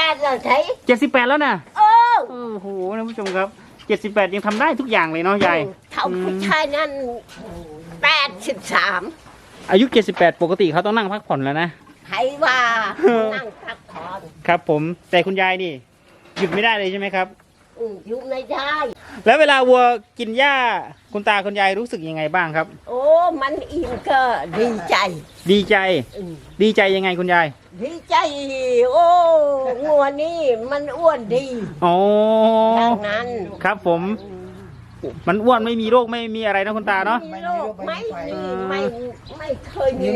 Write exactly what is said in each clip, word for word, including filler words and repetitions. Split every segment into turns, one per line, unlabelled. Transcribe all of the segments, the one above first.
ดแล้วใช่
เจ็ดสิบแปดแล้วนะ
เออ
โอ้โหท่านผู้ชมครับเจ็ดสิบแปดยังทำได้ทุกอย่างเลยเนาะยาย
เท่าผู้ชายนั่นแปดสิบสาม
อายุเจ็ดสิบแปดปกติเขาต้องนั่งพักผ่อนแล้วนะ
ใครว่านั่งพักผ่อน
ครับผมแต่คุณยายนี่หยุดไม่ได้เลยใช่ไหมครับ
หยุดไม่ได้
แล้วเวลาวัวกินหญ้าคุณตาคุณยายรู้สึกยังไงบ้างครับ
โอ้มันอิ่มก็ดีใจ
ดีใจดีใจยังไงคุณยาย
ดีใจโอ้งัวนี่มันอ้วนดี
อ๋อ
ดังนั้น
ครับผมมันอ้วนไม่มีโรคไม่มีอะไรนะคุณตาเนาะ
ไม่มีโรคไม่มีไม่ไม่เคยมี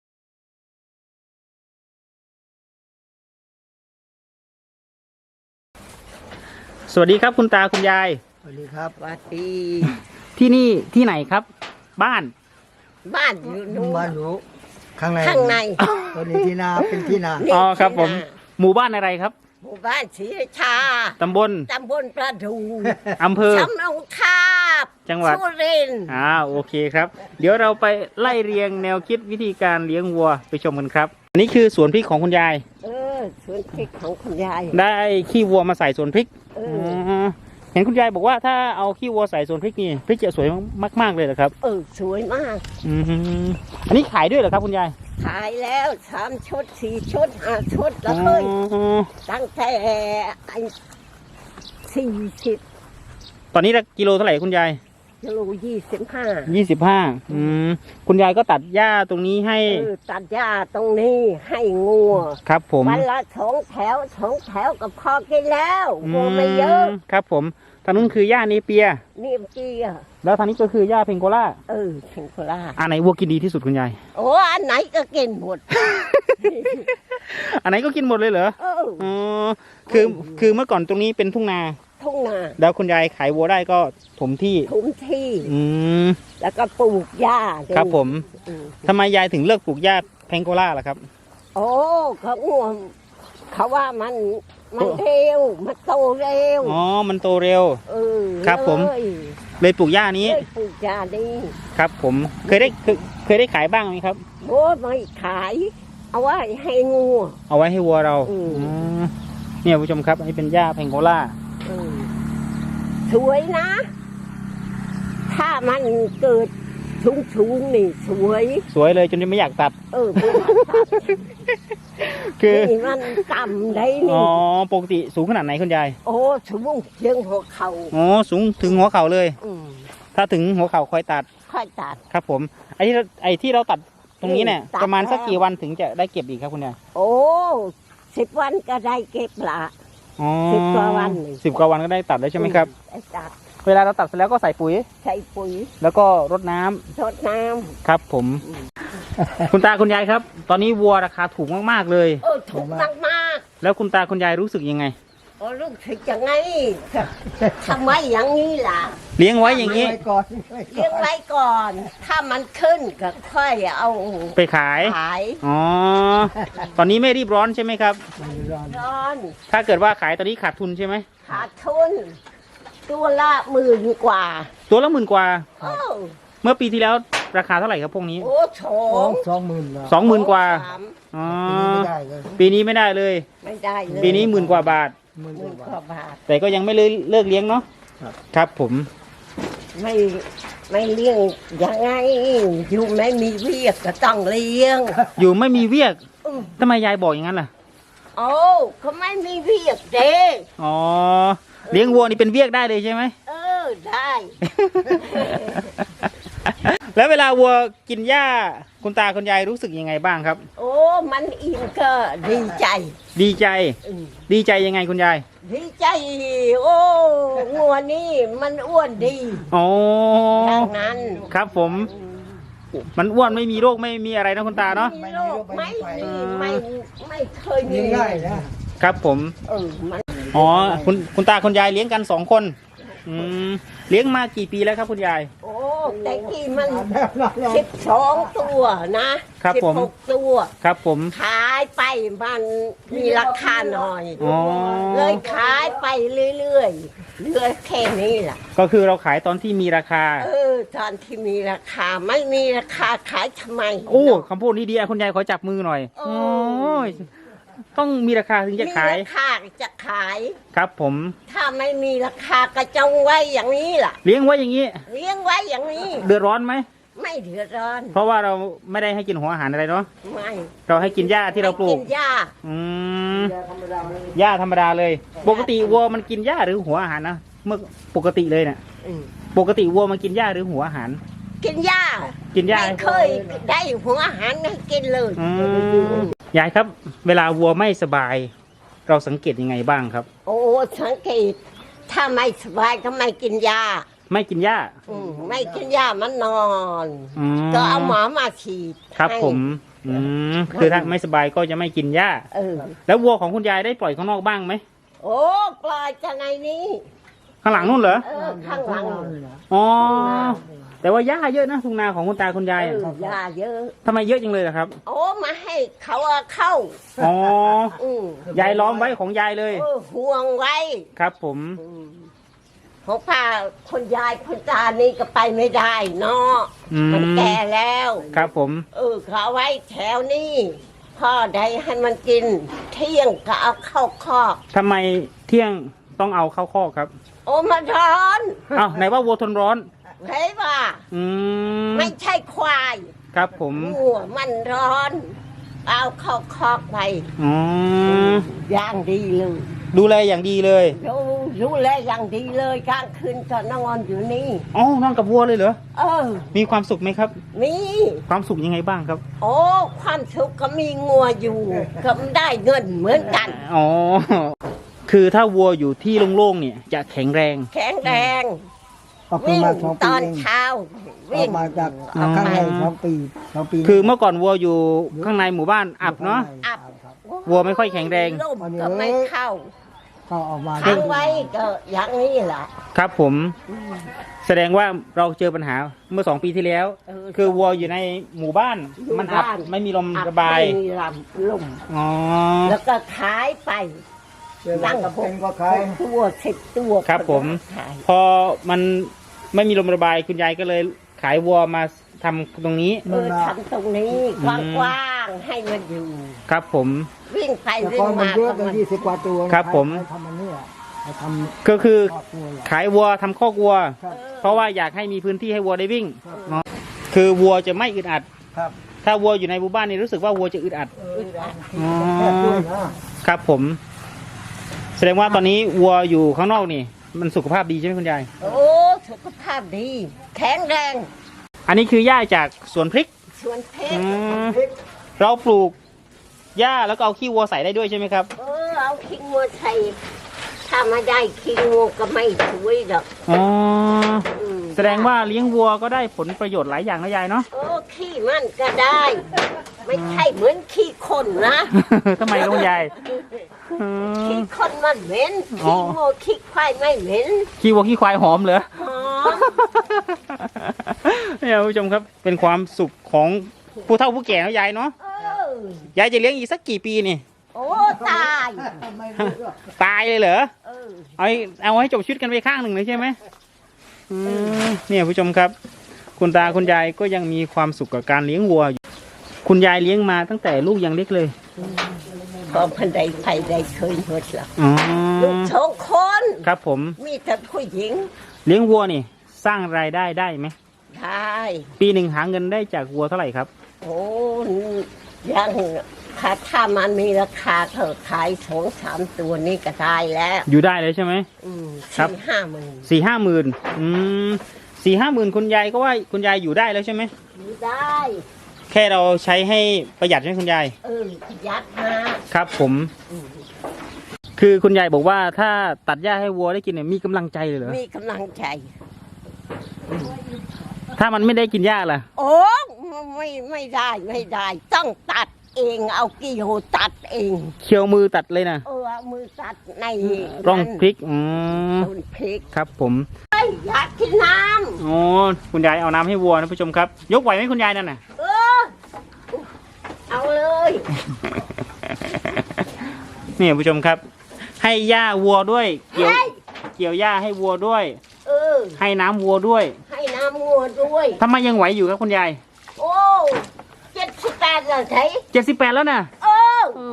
สวัสดีครับคุณตาคุณยาย
สวัสดีครับ
สวัสดี
ที่นี่ที่ไหนครับบ้าน
บ้านอยู่นู้น
บ้านหนูข้างใน
ข้างใน
ตัวนี้ที่นาเป็นที่นา
อ๋อครับผมหมู่บ้านอะไรครับ
หมู่บ้านศรีราชา
ตำบล
ตำบลประดู
อำเภอ
สำโรงทาบ
จังหวัด
สุรินทร์
อ่าโอเคครับเดี๋ยวเราไปไล่เรียงแนวคิดวิธีการเลี้ยงวัวไปชมกันครับอันนี้คือสวนพริกของคุณยาย
เออสวนพริกของคุณยาย
ได้ขี้วัวมาใส่สวนพริกเห็นคุณยายบอกว่าถ้าเอาขี้วัวใส่สวนพริกนี่พริกจะสวยมากๆเลยเหรอครับ
เออสวยมาก
อืมอันนี้ขายด้วยเหรอครับคุณยาย
ขายแล้วสามชุดสี่ชุดห้าชุดแล้วเลยตั้งแต่ไอ้สี่สิบ
ตอนนี้กิโลเท่าไหร่คุณยาย
กิโลยี่สิบห้า
ยี่สิบห้าอืมคุณยายก็ตัดหญ้าตรงนี้ให้
เออตัดหญ้าตรงนี้ให้งัว
ครับผม
วันละสองแถวสองแถวกับพอกินแล้วงัวไม่เยอะ
ครับผมทางนู้นคือหญ้าเนเปีย
เนเปีย
แล้วทางนี้ก็คือหญ้าเพงโกล่า
เออเพงโกล่า
อันไหนวัวกินดีที่สุดคุณยาย
โอ้อันไหนก็กินหมด
อันไหนก็กินหมดเลยเหรอ
เออ
อ๋อคือคือเมื่อก่อนตรงนี้เป็นทุ่งนา
ทุ่งนา
แล้วคุณยายขายวัวได้ก็ถมที่
ถมที่
อืม
แล้วก็ปลูกหญ้า
ครับผมทำไมยายถึงเลือกปลูกหญ้าเพงโกล่าล่ะครับ
โอ้เขาง่วงเขาว่ามันมันเร็วมันโตเร็ว
อ๋อมันโตเร็ว
เออ
ครับผมเลยปลูกหญ้านี้
เลยปลูกหญ้านี้
ครับผมเคยได้เคยเคยได้ขายบ้างไหมครับ
โอ้ไม่ขายเอาไว้ให้งู
เอาไว้ให้วัวเราเนี่ยผู้ชมครับอันนี้เป็นหญ้าเพงโกล่า
สวยนะถ้ามันเกิดชุงชุงนี่สวย
สวยเลยจนไม่อยากตัด
เออไม่อยากตัดคือมันต่ำได้นี่
อ๋อปกติสูงขนาดไหนคุณยาย
โอ้สูงถึงหัวเข่า
อ๋อสูงถึงหัวเข่าเลยถ้าถึงหัวเข่าค่อยตัด
ค่อยตัด
ครับผมไอ้ที่ไอ้ที่เราตัดตรงนี้เนี่ยประมาณสักกี่วันถึงจะได้เก็บอีกครับคุณยาย
โอ้สิบวันก็ได้เก็บละสิบกว่าวัน
สิบกว่าวันก็ได้ตัดแล้วใช่ไหมครับ
ตัด
เวลาเราตัดเสร็จแล้วก็ใส่ปุ๋ย
ใส่ปุ๋ย
แล้วก็รดน้ำ
รดน้ำ
ครับผมคุณตาคุณยายครับตอนนี้วัวราคาถูกมากๆเลย
เออถูกมากมาก
แล้วคุณตาคุณยายรู้สึกยังไง
โอ้รู้สึกยังไงทำไมอย่างนี้ล่ะ
เลี้ยงไว้อย่างนี้
เลี้ยงไว้ก่อนถ้ามันขึ้นก็ค่อยเอา
ไปขาย
ขาย
อ๋อตอนนี้ไม่รีบร้อนใช่ไหมครับ
ร้อน
ถ้าเกิดว่าขายตอนนี้ขาดทุนใช่ไหม
ขาดทุนตัวละหมื่นกว่า
ตัวละหมื่นกว่าเมื่อปีที่แล้วราคาเท่าไหร่ครับพวกนี้
โอ้สอง
สองหมื่น
สองหมื่นกว่าอ๋อปีนี้ไม่ได้เลย
ไม่ได้เลย
ปีนี้หมื่นกว่าบาท
หมื่นกว่าบาท
แต่ก็ยังไม่เลยเลิกเลี้ยงเนาะครับผม
ไม่ไม่เลี้ยงยังไงอยู่ไม่มีเวียกก็ต้องเลี้ยง
อยู่ไม่มีเวียกทำไมยายบอกอย่างนั้นล่ะ
โอ้เขาไม่มีเวียกเด้
อ๋อเลี้ยงวัวนี่เป็นเวียกได้เลยใช่ไหม
เออได้
แล้วเวลาวัวกินหญ้าคุณตาคุณยายรู้สึกยังไงบ้างครับ
โอ้มันอิ่มก็ดีใจ
ดีใจดีใจยังไงคุณยาย
ดีใจโอ้งัวนี่มันอ้วนดี
อ๋อ
อย่างนั้น
ครับผมมันอ้วนไม่มีโรคไม่มีอะไรนะคุณตาเนาะ
ไม่โรคไม่มีไม่ไม่เคยมี
ง่ายนะครับ
ผม
เออมัน
อ๋อคุณคุณตาคุณยายเลี้ยงกันสองคนอืมเลี้ยงมากี่ปีแล้วครับคุณยาย
โอ้แต่กี่มันสิบสองตัวนะครับผมหกตัว
ครับผม
ขายไปมันมีราคาหน่อยเลยขายไปเรื่อยๆเหลือแค่นี้แหละ
ก็คือเราขายตอนที่มีราคา
เออตอนที่มีราคาไม่มีราคาขายทำไม
โอ้คำพูดนี้ดีคุณยายขอจับมือหน่อยโอ้ยต้องมีราคาถึงจะขาย
มีราคาจะขาย
ครับผม
ถ้าไม่มีราคาก็จงไว้อย่างนี้ล่ะ
เลี้ยงไว้อย่างนี้
เลี้ยงไว้อย่างนี้
เดือดร้อนไหม
ไม่เดือดร้อน
เพราะว่าเราไม่ได้ให้กินหัวอาหารอะไรเนาะ
ไม่
เราให้กินหญ้าที่เราปลูก
ไม่นหญ้า
อืมหญ้าธรรมดาเลย ปกติวัวมันกินหญ้าหรือหัวอาหารนะเมื่อปกติเลยเนี่ย
อืม
ปกติวัวมันกินหญ้าหรือหัวอาหาร
กินหญ้า
กินหญ้า
ไม่เคยได้หัวอาหารให้กินเลย
อืมยายครับ เวลาวัวไม่สบาย เราสังเกตยังไงบ้างครับ
โอ้สังเกต ถ้าไม่สบายก็ไม่กินยา
ไม่กินหญ้า
อืมไม่กินยามันนอน
อืม
ก็เอาหมอมาฉีด
ครับ
ให้
ผม อืมคือถ้าไม่สบายก็จะไม่กินหญ้า
เออ
แล้ววัวของคุณยายได้ปล่อยข้างนอกบ้างไหม
โอ้ปล่อยจะในนี้
ข้างหลังนู่นเหรอ
เออข้างหลัง
อ๋อ แต่ว่าหญ้าเยอะนะทุ่งนาของคุณตาคุณยาย
เอ
อะ
อยาเยอะ
ทำไมเยอะจังเลยล่ะครับ
โอ้มาให้เขาเอาเข้า
อ๋อ
อืม
ยายล้อมไว้ของยายเลย
เออห่วงไว้
ครับผม
อืมของป้าคนยายคนตานี่ก็ไปไม่ได้เนาะ
อืม
มันแก่แล้ว
ครับผม
เออเขาเอาไว้แถวนี้พ่อได้ให้มันกิน เที่ยงก็เอาเข้าคอก
ทำไมเที่ยงต้องเอาเข้าคอกครับ
โอ้มันร้อน
อ้าวไหนว่าวัวทนร้อน
เห็นป่ะ
อืม
ไม่ใช่ควาย
ครับผม
หัวมันร้อน เอาเข้าคอกไป
อ๋อ
อย่างดีเลย
ดูแลอย่างดีเลย
ดูดูแลอย่างดีเลยกลางคืนก็นอนอยู่นี่
อ๋อนอนกับวัวเลยเหรอ
เออ
มีความสุขไหมครับ
มี
ความสุขยังไงบ้างครับ
โอ้ความสุขก็มีงัวอยู่ก็ได้เงินเหมือนกัน
อ๋อ คือถ้าวัวอยู่ที่โล่งๆเนี่ยจะแข็งแรง
แข็งแรง
ก็คือ
วิ่ง
มาสอง
ต
ปี
อน
เอง
เช้า
อ
วิ่
อง กมาจากข้างในสองปีสองปี
คือเมื่อก่อนวัวอยู่ข้างในหมู่บ้านอับเนาะ
อับ
วัวไม่ค่อยแข็งแรง
ลมก็ไม่เข้า
ก็ออกมา
ค้างไว้ก็อย่างนี้แหละ
ครับผม แสดงว่าเราเจอปัญหาเมื่อสองปีที่แล้ว
เออ
คือวัวอยู่ในหมู่บ้าน
อยู่
มันอับ
บ้าน
ไม่มีลม
อั
ระบาย
ไม่มีลำลม
อ๋อ
แล้วก็ขายไป
นั่งกับเป็นก็ขาย
ตัวสิบตัว
ครับผม
ขาย
พอมันไม่มีลมระบายคุณยายก็เลยขายวัวมาทำตรงนี้
เออทำตรงนี้กว้างๆให้มันอยู่
ครับผม
วิ่งไป
แต่
วิ่
ก่อง นมัน
มา
เยอะ
ก็
เป็น
มัน
ยี่สิบกว่าตัว
ครับผม
ทำมันเนี่ยทำ
ก็คือ
ครอบครัวเหรอ
ขายวัวทำคอกวัว
ครับ
เพราะว่าอยากให้มีพื้นที่ให้วัวได้วิ่งเนาะคือวัวจะไม่อึดอัด
ครับ
ถ้าวัวอยู่ในหมู่บ้านนี่รู้สึกว่าวัวจะอึดอัด
เออแค่ด้วยนะครับ
ผม แสดงว่าตอนนี้วัวอยู่ข้างนอกนี่ มันสุขภาพดีใช่ไหมคุณยาย
โอ้สุขภาพดี แข็งแรง
อันนี้คือหญ้าจากสวนพริก
สวนเพช
อื
ร
มเราปลูกหญ้าแล้วก็เอาขี้วัวใส่ได้ด้วยใช่ไหมครับ
เออเอาขี้งัวใส่ถ้าไม่ได้ขี้งัวก็ไม่สวยดอก
อ๋อ
อืม
แสดงว่าเลี้ยงวัวก็ได้ผลประโยชน์หลายอย่างนะยายเนาะ
โอ้ขี้มันก็ได้ ไม่ใช่เหมือนขี้คนนะ
ทำไมลุงยายอืม
ขี้คนมันเหม็น
อ๋อ
ขี้งัวขี้ควายไม่เหม็น
ขี้วัวขี้ควายหอมเหรอ
หอม
เนี่ยคุณผู้ชมครับ เป็นความสุขของผู้เฒ่าผู้แก่นะยายเนาะ
เออย
ายจะเลี้ยงอีกสักกี่ปีนี่
โอ้ตาย
ตายเลยเหรอ
เออ
เอาให้เอาให้จบชีวิตกันไปข้างหนึ่งเลยใช่ไหมอืมเนี่ยผู้ชมครับ คุณตาคุณยายก็ยังมีความสุขกับการเลี้ยงวัวอยู่คุณยายเลี้ยงมาตั้งแต่ลูกยังเล็กเลย
พอพันใดใครได้เคยหมดหรอก
อ๋อ
ลูกสองคน
ครับผม
มีแต่ผู้หญิง
เลี้ยงวัวนี่ สร้างรายได้ได้ไหม
ได้
ปีหนึ่งหาเงินได้จากวัวเท่าไหร่ครับ
โอ้ยังค่ะถ้ามันมีราคาเธอขายสองสามตัวนี่ก็ได้แล้ว
อยู่ได้เลยใช่ไหม
อืม
ครับ
สี่ห้าหมื่น
สี่ห้าหมื่นอืมสี่ห้าหมื่นคุณยายก็ว่าคุณยายอยู่ได้แล้วใช่ไหม
อยู่ได้
แค่เราใช้ให้ประหยัดใช่ไหมคุณยาย
เออประหยัดมา
ครับผม
อืม
คือคุณยายบอกว่าถ้าตัดหญ้าให้วัวได้กินเนี่ยมีกำลังใจเลยเหรอ
มีกำลังใจ
ถ้ามันไม่ได้กินหญ้าล่ะ
โอ้ไม่ไม่ได้ไม่ได้ ต้องตัดเองเอากิโลตัดเอง
เคี่ยวมือตัดเลยนะ
เออเอามือตัดใน
ร่องพริกอืม
ต้นพริก
ครับผม
เฮ้ยอยากกินน้
โอ้คุณยายเอาน้ำให้วัวนะผู้ชมครับ ยกไหวไหมคุณยายนั่นน่ะ
ำเออ เอาเลย
นี่ผู้ชมครับ ให้หญ้าวัวด้วย เกี่ยว
เฮ้ย
เกี่ยวหญ้าให้วัวด้วย
เออ
ให้น้ำวัวด้วย
ให้น้ำงัวด้วย
ทำไมยังไหวอยู่ครับคุณยาย
โอ้เจ็ดสิบแปดเลยใช่
เจ็ดสิบแปดแล้วนะ
เออ
เออ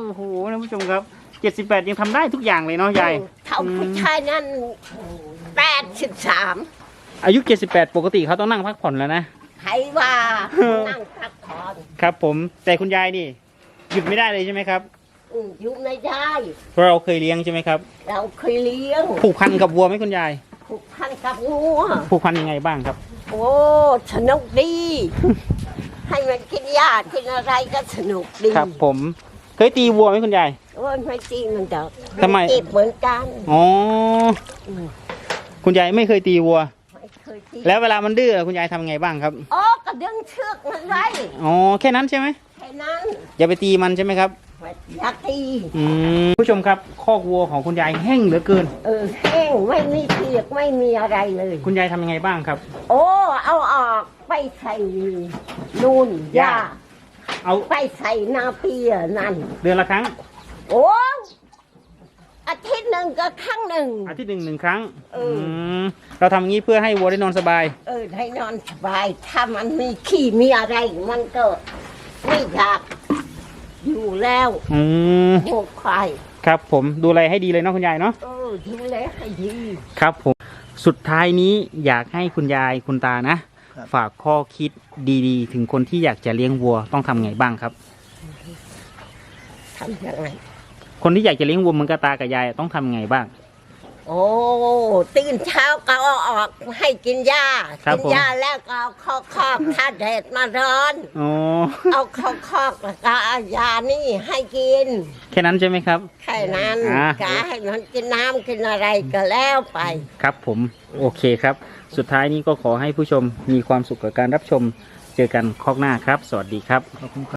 โอ้โหท่านผู้ชมครับเจ็ดสิบแปดยังทำได้ทุกอย่างเลยเนาะยาย
เท่าผู้ชายนั่นแปดสิบสาม
อายุเจ็ดสิบแปดปกติเขาต้องนั่งพักผ่อนแล้วนะ
ใครว่านั่งพักผ่อน
ครับผมแต่คุณยายนี่หยุดไม่ได้เลยใช่ไหมครับ
อืมอยู่ไม่ได้
เพราะเราเคยเลี้ยงใช่ไหมครับ
เราเคยเลี้ยง
ผูกพันกับวัวไหมคุณยาย
ผูกพันกับงัว
ผูกพันยังไงบ้างครับ
โอ้สนุกดี ให้มันกินหญ้ากินอะไรก็สนุกดี
ครับผมเคยตีวัวไหมคุณยาย
โอ้ยไม่จริงมันจะ
ทำไม
เจ็บเหมือนกัน
อ๋อ
อืม
คุณยายไม่เคยตีวัว
ไม่เคยตี
แล้วเวลามันดื้อคุณยายทำไงบ้างครับ
อ๋อก็ดึงเชือกมันไว้
อ๋อแค่นั้นใช่ไหม
แค่นั้น
อย่าไปตีมันใช่ไหมครับ
อยากตี
อืมผู้ชมครับคอกวัวของคุณยายแห้งเหลือเกิน
เออแห้งไม่มีเปียกไม่มีอะไรเลย
คุณยายทำยังไงบ้างครับ
โอ้เอาออกไปใส่นู่นหญ้า
เอา
ไปใส่นาเปียนั่น
เดือนละครั้ง
โอ้อาทิตย์หนึ่งก็ครั้งหนึ่ง
อาทิตย์หนึ่งหนึ่งครั้ง
เอออื
มเราทำอย่างนี้เพื่อให้วัวได้นอนสบาย
เออให้นอนสบาย ถ้ามันมีขี้มีอะไร มันก็ไม่อยากอยู่แล้ว
อืม
โง่ควาย
ครับผมดูแลให้ดีเลยเนาะคุณยายเนาะ
เออดูแลให้ดี
ครับผมสุดท้ายนี้อยากให้คุณยายคุณตานะ ฝากข้อคิดดีๆ ถึงคนที่อยากจะเลี้ยงวัวต้องทำไงบ้างครับ
ทำยังไง
คนที่อยากจะเลี้ยงวัวเหมือนกับตากับยายต้องทำไงบ้าง
โอ้ตื่นเช้าก็เอาออกให้กินหญ้า
ครับ
กิ
ผม
หญ้าแล้วก็เอาเข้าคอกถ้าแดดมาร้อน
อ๋อ
เอาเข้าคอกแล้วก็เอายานี่ให้กิน
แค่นั้นใช่ไหมครับ
แค่นั้น
อ่า
ก็ให้มันกินน้ำกินอะไรก็แล้วไป
ครับผมโอเคครับ สุดท้ายนี้ก็ขอให้ผู้ชมมีความสุขกับการรับชมเจอกันคอกหน้าครับ สวัสดีครับ